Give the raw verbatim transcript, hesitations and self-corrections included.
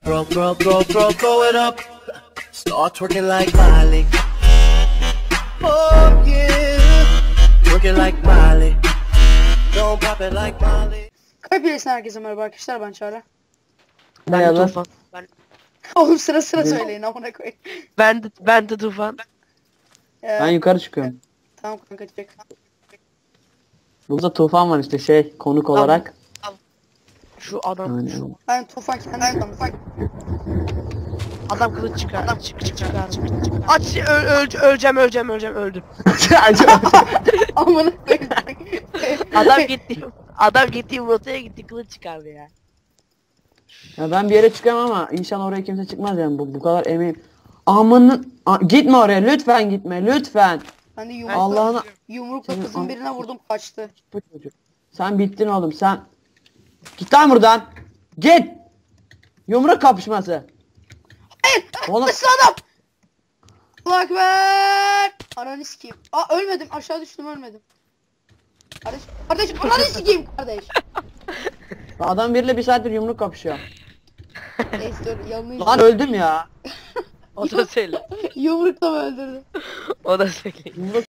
Throw, throw, throw, throw, throw it up. Start twerking like Miley. Oh yeah. Twerking like Miley. Don't pop it like Miley. Kalp herkese merhaba arkadaşlar, ben Çağrı. Ben de Tufan. Ben, Oğlum sıra sıra Ne? söyleyin amına koyayım. ben de ben de Tufan. Ee, Ben yukarı çıkıyorum. Tamam kanka, çek. Burada Tufan var işte şey konuk olarak. Şu adam Aynen. şu Ben Tufan kendisi Tufan. adam kılıç çıkar. Adam çık çık çıkar. Aç öl, öl, öleceğim öleceğim öleceğim öldüm. Amına koyayım. Adam gitti. Adam gitti rotaya gitti kılıç çıkardı ya. Ya ben bir yere çıkıyorum ama inşallah oraya kimse çıkmaz yani bu, bu kadar emin. Amanın A- gitme oraya lütfen gitme lütfen. Ben de yumrukla, Allah'ına yumrukla Senin kızın an- birine vurdum, kaçtı. bu çocuk. Sen bittin oğlum sen. Git lan buradan. Git. Yumruk kapışması. Hayır! Oğlum Nasıl adam? Allah ekber! Ananı sikeyim. Aa, ölmedim, aşağı düştüm, ölmedim. Kardeş, kardeş, ananı sikeyim kardeş. adam biriyle bir saattir yumruk kapışıyor. Neyse dur, yanlış. Lan öldüm ya. O da söyle. Yumrukla mı öldürdüm? O da söyle. Yumruk